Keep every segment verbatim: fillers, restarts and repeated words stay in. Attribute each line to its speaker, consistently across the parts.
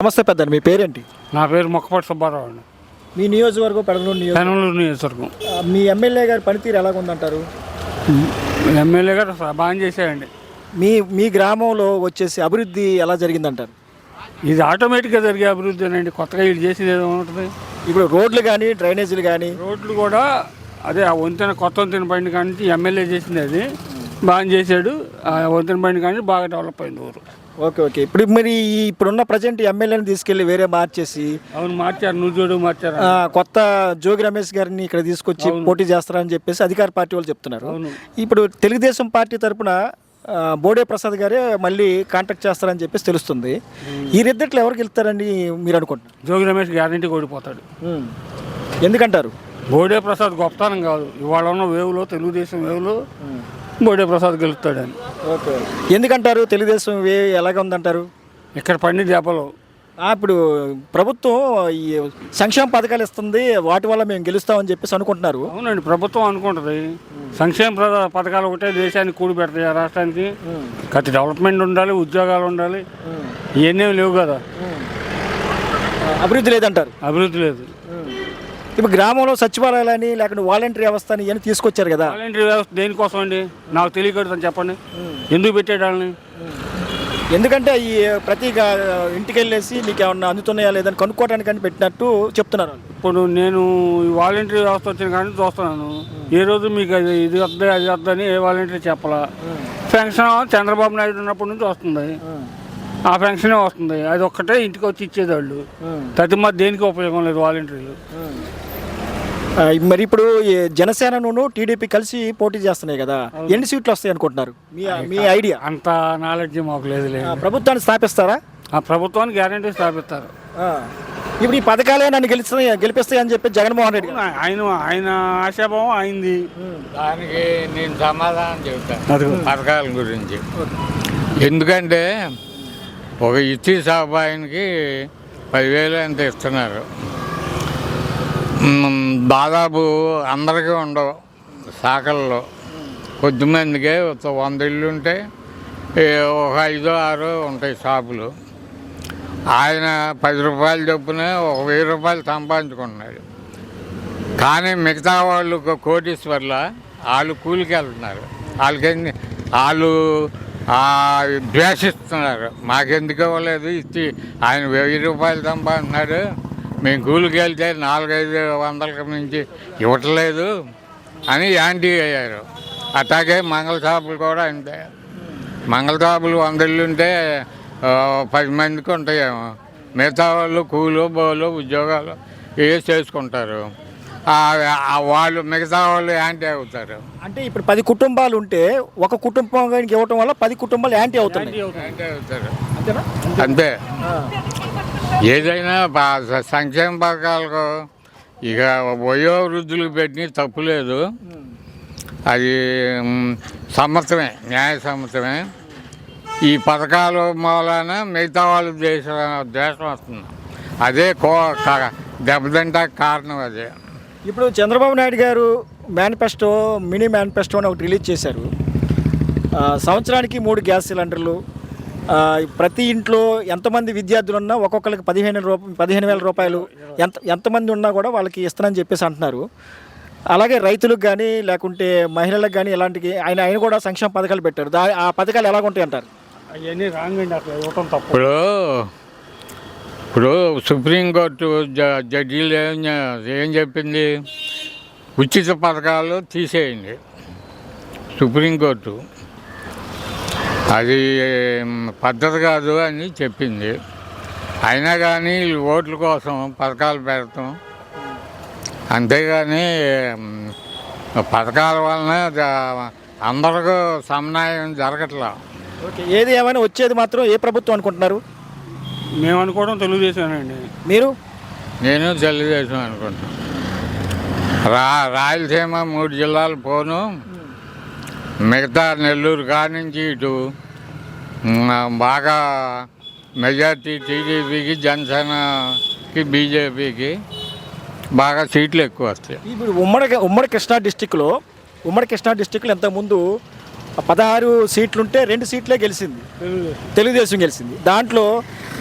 Speaker 1: నమస్తే పెద్ద, మీ పేరేంటి?
Speaker 2: నా పేరు మొక్కపాటి సుబ్బారావు అండి.
Speaker 1: మీ నియోజకవర్గం పెడలూరు నియోజకవర్గం.
Speaker 2: పెనమలూరు నియోజకవర్గం.
Speaker 1: మీ ఎమ్మెల్యే గారి పనితీరు ఎలాగుందంటారు?
Speaker 2: ఎమ్మెల్యే గారు బాగా చేశారండి.
Speaker 1: మీ మీ గ్రామంలో వచ్చేసి అభివృద్ధి ఎలా జరిగిందంటారు?
Speaker 2: ఇది ఆటోమేటిక్గా జరిగే అభివృద్ధి అండి, కొత్తగా వీళ్ళు చేసేది ఏదో ఉంటుంది.
Speaker 1: ఇప్పుడు రోడ్లు కానీ డ్రైనేజీలు కానీ
Speaker 2: రోడ్లు కూడా అదే ఆ వంతెన కొత్త వంతెన బండి కానీ ఎమ్మెల్యే చేసింది, అది బాగా చేశాడు. ఆ వంతెన బండి కానీ బాగా డెవలప్ అయింది ఊరు.
Speaker 1: ఓకే ఓకే ఇప్పుడు మరి ఈ ఇప్పుడున్న ప్రజెంట్ ఎమ్మెల్యేని తీసుకెళ్ళి వేరే మార్చేసి
Speaker 2: అవును మార్చారు, నువ్వు చూడు మార్చారు.
Speaker 1: కొత్త జోగి రమేష్ గారిని ఇక్కడ తీసుకొచ్చి పోటీ చేస్తారని చెప్పేసి అధికార పార్టీ వాళ్ళు చెప్తున్నారు. ఇప్పుడు తెలుగుదేశం పార్టీ తరఫున బోడే ప్రసాద్ గారే మళ్ళీ కాంటాక్ట్ చేస్తారని చెప్పేసి తెలుస్తుంది. ఈ రెద్దట్లు ఎవరికి వెళ్తారని మీరు అనుకుంటున్నారు?
Speaker 2: జోగి రమేష్ గ్యారంటీ ఓడిపోతాడు.
Speaker 1: ఎందుకంటారు?
Speaker 2: బోడే ప్రసాద్ గొప్పతనం కాదు, ఇవాళ ఉన్న వేవులో తెలుగుదేశం వేవులో బోడే ప్రసాద్ గెలుస్తాడని.
Speaker 1: ఓకే, ఎందుకంటారు? తెలుగుదేశం వే ఎలాగ ఉందంటారు?
Speaker 2: ఇక్కడ పండి దెబ్బలు.
Speaker 1: ఇప్పుడు ప్రభుత్వం ఈ సంక్షేమ పథకాలు ఇస్తుంది, వాటి వల్ల మేము గెలుస్తామని చెప్పేసి అనుకుంటున్నారు.
Speaker 2: అవునండి, ప్రభుత్వం అనుకుంటుంది సంక్షేమ పథకాలు ఒకటే దేశానికి కూడి పెడతాయి, రాష్ట్రానికి కత్తి డెవలప్మెంట్ ఉండాలి, ఉద్యోగాలు ఉండాలి, ఇవన్నీ లేవు కదా.
Speaker 1: అభివృద్ధి లేదంటారు?
Speaker 2: అభివృద్ధి లేదు.
Speaker 1: ఇప్పుడు గ్రామంలో సచివాలయాలని లేకపోతే వాలంటీర్ వ్యవస్థ అని ఇవన్నీ తీసుకొచ్చారు కదా.
Speaker 2: వాలంటీర్ వ్యవస్థ దేనికోసం అండి? నాకు తెలియకూడదని చెప్పండి, ఎందుకు పెట్టేటాలని?
Speaker 1: ఎందుకంటే ఈ ప్రతి ఇంటికి వెళ్ళేసి మీకు ఏమన్నా అందుతున్నాయా లేదని కనుక్కోవడానికి పెట్టినట్టు చెప్తున్నారు.
Speaker 2: ఇప్పుడు నేను ఈ వాలంటీర్ వ్యవస్థ వచ్చిన కానీ చూస్తున్నాను, ఏ రోజు మీకు అది ఇది వద్ద అది వద్దని ఏ వాలంటీర్ చెప్పాలా. పెన్షన్ చంద్రబాబు నాయుడు ఉన్నప్పటి నుంచి వస్తుంది, ఆ పెన్షనే వస్తుంది, అది ఒక్కటే ఇంటికి వచ్చి ఇచ్చేది వాళ్ళు. ప్రతి మధ్య దేనికి ఉపయోగం లేదు వాలంటీర్లు.
Speaker 1: మరి ఇప్పుడు జనసేనను టీడీపీ కలిసి పోటీ చేస్తున్నాయి కదా, ఎన్ని సీట్లు వస్తాయి అనుకుంటున్నారు? మీ మీ ఐడియా?
Speaker 2: అంత నాలెడ్జ్ మాకు లేదు.
Speaker 1: ప్రభుత్వాన్ని స్థాపిస్తారా?
Speaker 2: ఆ ప్రభుత్వాన్ని గ్యారంటీ స్థాపిస్తారు.
Speaker 1: ఇప్పుడు ఈ పథకాలే నన్ను గెలుస్తాయి గెలిపిస్తాయి అని చెప్పి జగన్మోహన్ రెడ్డి
Speaker 2: ఆయన ఆయన ఆశాభావం అయింది.
Speaker 3: దానికి నేను సమాధానం చెబుతాను పథకాల గురించి. ఎందుకంటే ఒక ఇచ్చి సాబాయికి పదివేలు ఎంత ఇస్తున్నారు, దాదాపు అందరికీ ఉండవు శాఖల్లో, కొద్దిమందికే వంద ఇళ్ళు ఉంటే ఒక ఐదో ఆరో ఉంటాయి షాపులు. ఆయన పది రూపాయలు చొప్పున ఒక వెయ్యి రూపాయలు సంపాదించుకుంటున్నాడు. కానీ మిగతా వాళ్ళు కోటీశ్వర్ల వాళ్ళు కూలికి వెళ్తున్నారు, వాళ్ళకి వాళ్ళు ద్వేషిస్తున్నారు. మాకెందుకు ఇవ్వలేదు, ఇచ్చి ఆయన వెయ్యి రూపాయలు సంపాదిస్తున్నాడు, మేము కూలికి వెళ్తే నాలుగైదు వందలకి మించి ఇవ్వట్లేదు అని యాంటీ అయ్యారు. అట్లాగే మంగళ షాపులు కూడా అంతే. మంగళ షాపులు వంద ఇళ్ళు ఉంటే పది మందికి ఉంటాయేమో, మిగతా వాళ్ళు కూలు బోలు ఉద్యోగాలు ఏ చేసుకుంటారు, వాళ్ళు మిగతా వాళ్ళు యాంటీ అవుతారు.
Speaker 1: అంటే ఇప్పుడు పది కుటుంబాలు ఉంటే ఒక కుటుంబానికి ఇవ్వటం వల్ల పది కుటుంబాలు యాంటీ అవుతారు.
Speaker 3: యాంటీ అవుతారు అంతే. ఏదైనా సంక్షేమ పథకాలకు ఇక వయోవృద్ధులకు పెట్టిన తప్పులేదు, అది సమ్మతమే, న్యాయ సమ్మతమే. ఈ పథకాల మూలాన మిగతా వాళ్ళు దేశ దేశం వస్తుంది, అదే కో దెబ్బతింటా కారణం అదే.
Speaker 1: ఇప్పుడు చంద్రబాబు నాయుడు గారు మేనిఫెస్టో మినీ మేనిఫెస్టో అని ఒకటి రిలీజ్ చేశారు. సంవత్సరానికి మూడు గ్యాస్ సిలిండర్లు, ప్రతి ఇంట్లో ఎంతమంది విద్యార్థులు ఉన్నా ఒక్కొక్కరికి పదిహేను రూపాయలు పదిహేను వేల రూపాయలు ఎంత ఎంతమంది ఉన్నా కూడా వాళ్ళకి ఇస్తానని చెప్పేసి అంటున్నారు. అలాగే రైతులకు కానీ లేకుంటే మహిళలకు కానీ ఇలాంటి ఆయన ఆయన కూడా సంక్షేమ పథకాలు పెట్టారు. దా ఆ పథకాలు ఎలాగుంటాయి అంటారు?
Speaker 2: అవన్నీ రాంగ్ అండి, అసలు ఇవ్వటం తప్పు.
Speaker 3: ఇప్పుడు ఇప్పుడు సుప్రీంకోర్టు జడ్జీలు ఏం ఏం చెప్పింది, ఉచిత పథకాలు తీసేయండి సుప్రీంకోర్టు, అది పద్ధతి కాదు అని చెప్పింది. అయినా కానీ ఓట్ల కోసం పథకాలు పెడతాం, అంతేగాని పథకాల వలన అందరికీ సమన్వయం జరగట్లా.
Speaker 1: ఓకే, ఏది ఏమైనా వచ్చేది మాత్రం ఏ ప్రభుత్వం అనుకుంటున్నారు?
Speaker 2: మేము అనుకోవడం తెలుగుదేశమేనండి.
Speaker 1: మీరు?
Speaker 3: నేను తెలుగుదేశం అనుకుంటున్నాను. రా రాయలసీమ మూడు జిల్లాలు పోను, మిగతా నెల్లూరు కానించి ఇటు బాగా మెజార్టీ టీడీపీకి జనసేనకి బీజేపీకి బాగా సీట్లు ఎక్కువ వస్తాయి.
Speaker 1: ఇప్పుడు ఉమ్మడి ఉమ్మడి కృష్ణా డిస్టిక్లో ఉమ్మడి కృష్ణా డిస్టిక్లో ఇంతకుముందు పదహారు సీట్లుంటే రెండు సీట్లే గెలిచింది, తెలుగుదేశం గెలిచింది. దాంట్లో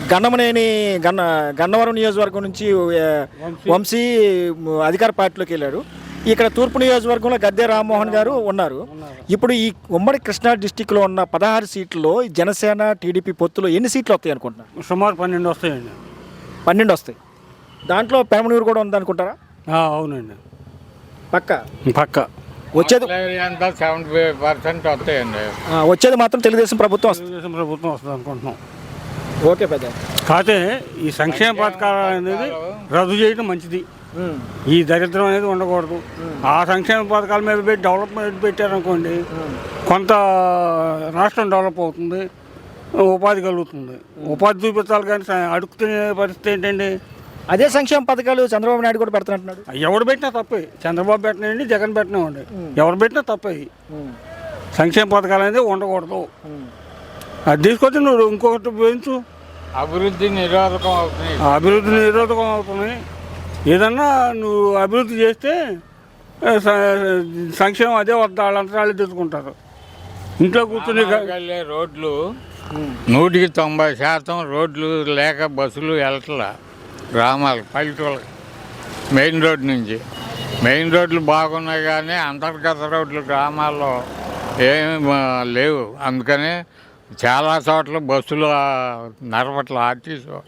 Speaker 1: గన్నమనేని గన్న గన్నవరం నియోజకవర్గం నుంచి ఆ, వంశీ అధికార పార్టీలోకి వెళ్ళారు. ఇక్కడ తూర్పు నియోజకవర్గంలో గద్దె రామ్మోహన్ గారు ఉన్నారు. ఇప్పుడు ఈ ఉమ్మడి కృష్ణా డిస్టిక్లో ఉన్న పదహారు సీట్లలో జనసేన టీడీపీ పొత్తులో ఎన్ని సీట్లు వస్తాయి అనుకుంటున్నారు?
Speaker 2: సుమారు పన్నెండు వస్తాయండి.
Speaker 1: పన్నెండు వస్తాయి. దాంట్లో పెనమనూరు కూడా ఉందనుకుంటారా?
Speaker 2: ఆ, అవునండి,
Speaker 1: పక్క
Speaker 2: పక్క
Speaker 1: వచ్చేది
Speaker 3: అంతా సెవెంటీ ఫైవ్ పర్సెంట్ వస్తాయండి.
Speaker 1: ఆ, వచ్చేది మాత్రం తెలుగుదేశం ప్రభుత్వం వస్తుంది.
Speaker 2: తెలుగుదేశం ప్రభుత్వం వస్తుంది అనుకుంటున్నాం.
Speaker 1: ఓకే పెద్ద.
Speaker 2: కాకపోతే ఈ సంక్షేమ పథకాలు అనేది రద్దు చేయడం మంచిది. ఈ దరిద్రం అనేది ఉండకూడదు. ఆ సంక్షేమ పథకాల మీద పెట్టి డెవలప్మెంట్ పెట్టారనుకోండి, కొంత రాష్ట్రం డెవలప్ అవుతుంది, ఉపాధి కలుగుతుంది. ఉపాధి చూపించాలి కానీ స- అడుగుతున్న పరిస్థితి ఏంటండి?
Speaker 1: అదే సంక్షేమ పథకాలు చంద్రబాబు నాయుడు కూడా పెడుతున్నట్టున్నాడు.
Speaker 2: ఎవడు పెట్టినా తప్పే. చంద్రబాబు పెట్టినండి, జగన్ పెట్టినామండి, ఎవరు పెట్టినా తప్పే. సంక్షేమ పథకాలు అనేది ఉండకూడదు. అది తీసుకొచ్చి నువ్వు ఇంకొకటి పెంచు.
Speaker 3: అభివృద్ధి నిరోధకం అవుతుంది.
Speaker 2: అభివృద్ధి నిరోధకం అవుతుంది. ఏదన్నా నువ్వు అభివృద్ధి చేస్తే ఆ, స- సంక్షేమం అదే వద్ద వాళ్ళంతా వాళ్ళు తెచ్చుకుంటారు. ఇంట్లో కూర్చుని గ-
Speaker 3: వెళ్ళే రోడ్లు నూటికి తొంభై శాతం రోడ్లు లేక బస్సులు వెళ్ళట్లా గ్రామాలు పల్లెటూళ్ళకి. మెయిన్ రోడ్ నుంచి మెయిన్ రోడ్లు బాగున్నాయి కానీ అంతర్గత రోడ్లు గ్రామాల్లో ఏమి ఆ, లేవు. అందుకనే చాలా చోట్ల బస్సులు ఆ, నడపట్ల ఆర్టీసీ